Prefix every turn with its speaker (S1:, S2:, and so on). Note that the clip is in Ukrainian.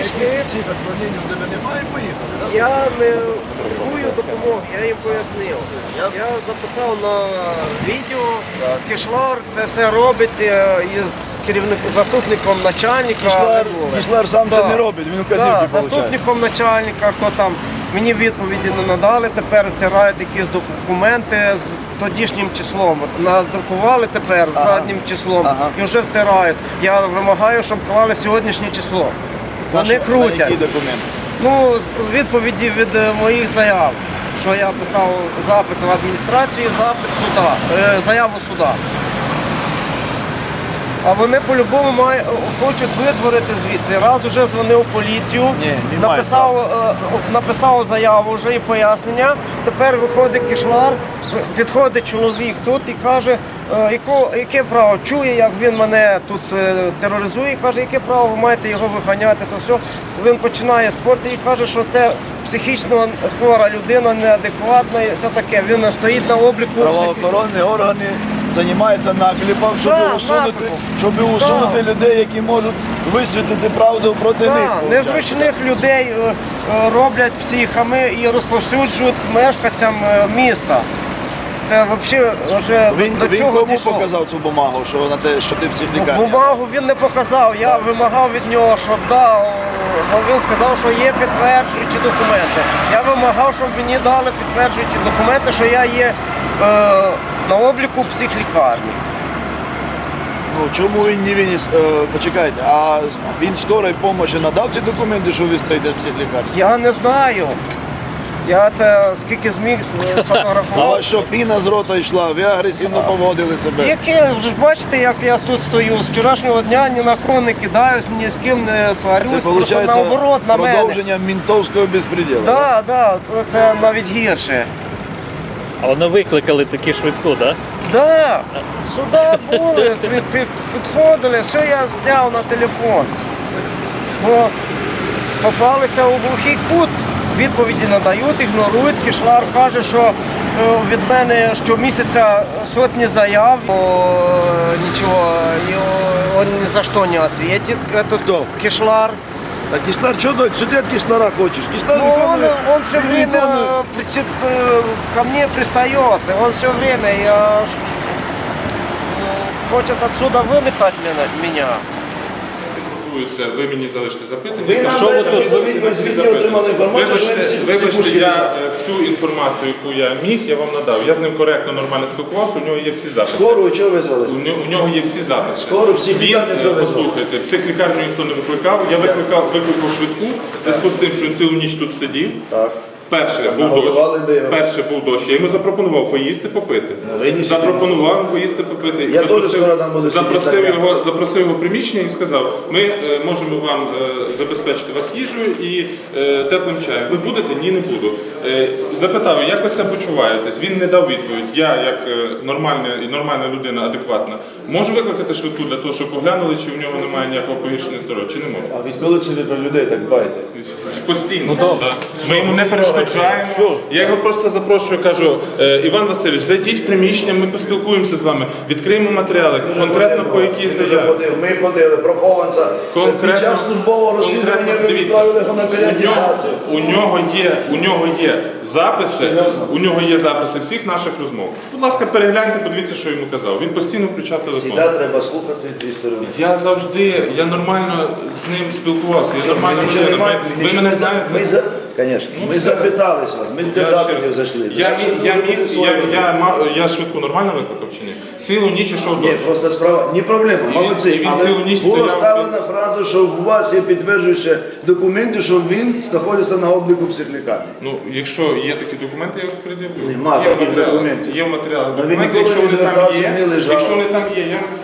S1: прийшли.
S2: Всіх відклонень у тебе немає, поїхали, так?
S1: Я не потребую допомоги, я їм пояснив. Я записав на відео, Кишлар це все робить із заступником начальника.
S2: Кишлар сам це не робить, він указівки получає.
S1: Заступником начальника, хто там, мені відповіді не надали, тепер втирають якісь документи з тодішнім числом. От надрукували тепер з заднім числом і вже втирають. Я вимагаю, щоб клали сьогоднішнє число. Вони крутять.
S2: Які документи?
S1: Ну, відповіді від моїх заяв, що я писав запит в адміністрацію, запит суда, заяву суда. А вони по-любому хочуть видворити звідси. Раз вже дзвонив в поліцію, написав заяву вже і пояснення. Тепер виходить Кишлар, підходить чоловік тут і каже, яке право, чує, як він мене тут тероризує, каже, яке право ви маєте його виганяти, то все. Він починає спорти і каже, що це психічно хвора людина, неадекватна і все таке. Він стоїть на обліку.
S2: Правоохоронні органи займаються наклепом, щоб усунути людей, які можуть висвітлити правду проти них.
S1: Незручних людей роблять психами і розповсюджують мешканцям міста. Це взагалі вже до чого
S2: кому
S1: дійшло?
S2: показав цю бумагу, що на те, що ти в психлікарні?
S1: Бумагу він не показав, я вимагав від нього, щоб він сказав, що є підтверджуючі документи. Я вимагав, щоб мені дали підтверджуючі документи, що я є на обліку психлікарні.
S2: Ну, чому він не виніс, почекайте, а він скорої допомоги надав ці документи, що ви стоїте в психлікарні?
S1: Я не знаю. Я це скільки зміг сфотографував.
S2: А що піна з рота йшла, ви агресивно поводили себе?
S1: Яке, ви ж бачите, як я тут стою, з вчорашнього дня ні на кого не кидаюсь, ні з ким не сварюсь, просто наоборот на мене.
S2: Продовження ментовського безпреділу.
S1: Так, це навіть гірше.
S3: А вони викликали такі швидку, так?
S1: Так, сюди були, підходили, все я зняв на телефон. Бо попалися у глухий кут. Відповіді надають, ігнорують. Кишлар каже, що від мене щомісяця сотні заяв, нічого, він ні за що не відповідає. Кишлар.
S2: А Кишлар, що ти від Кишлара хочеш? Кишлар
S1: он все время ко мне пристает, он все время хочет отсюда выметать меня.
S4: Ви мені залишите запитання.
S2: Що ви тут? Ви звідки отримали інформацію, що ви всі
S4: Вибачте, я всю інформацію, яку я міг, я вам надав. Я з ним коректно, нормально спілкувався, у нього є всі записи.
S2: Скору чого визвали?
S4: У нього є всі записи.
S2: Скору психлікарню хто визвав?
S4: Послухайте, психлікарню ніхто не викликав. Я викликав швидку, в зв'язку з тим, що він цілу ніч тут сидів.
S2: Так.
S4: Перше був дощ. Я йому запропонував поїсти, попити. Запропонував йому поїсти, попити.
S2: Я теж скоро там буду сидіти.
S4: Запросив його в приміщення і сказав, ми можемо вам забезпечити вас їжею і теплим чаєм. Ви будете? Ні, не буду. Запитав, як ви себе почуваєтесь? Він не дав відповідь. Я, як нормальна людина, адекватна, можу викликати швидку для того, щоб поглянули, чи в нього немає ніякого погіршення здоров'я, чи не можу?
S2: А відколи це ви про людей так дбаєте?
S4: Постійно. Ми йому не перешкоджаємо. Я його просто запрошую, кажу, Іван Васильович, зайдіть в приміщення, ми поспілкуємося з вами, відкриємо матеріали, конкретно по якій заяві.
S2: Ми ходили, про Хованця. Під час службового розслідування ви відправили його на переатестацію.
S4: У нього є записи всіх наших розмов. Будь ласка, перегляньте, подивіться, що йому казав. Він постійно включав телефон.
S2: Завжди треба слухати дві сторони.
S4: Я нормально з ним спілкувався, я нормально людина. Ви мене знаєте?
S2: Звісно, ми запитались вас, ми для запитів зайшли.
S4: Я швидку нормально викликав чи ні? Цілу ніч ішов дощ.
S2: Ні, просто справа, не проблема, молодці. Але була ставлена фраза, що у вас є підтверджуючі документи, що він знаходиться на обліку психлікарні.
S4: Ну, якщо є такі документи, я їх пред'явлю.
S2: Нема таких документів.
S4: Є в матеріалах
S2: Но він
S4: документи,
S2: ніколи не звертався, не лежав.
S4: якщо вони там є, я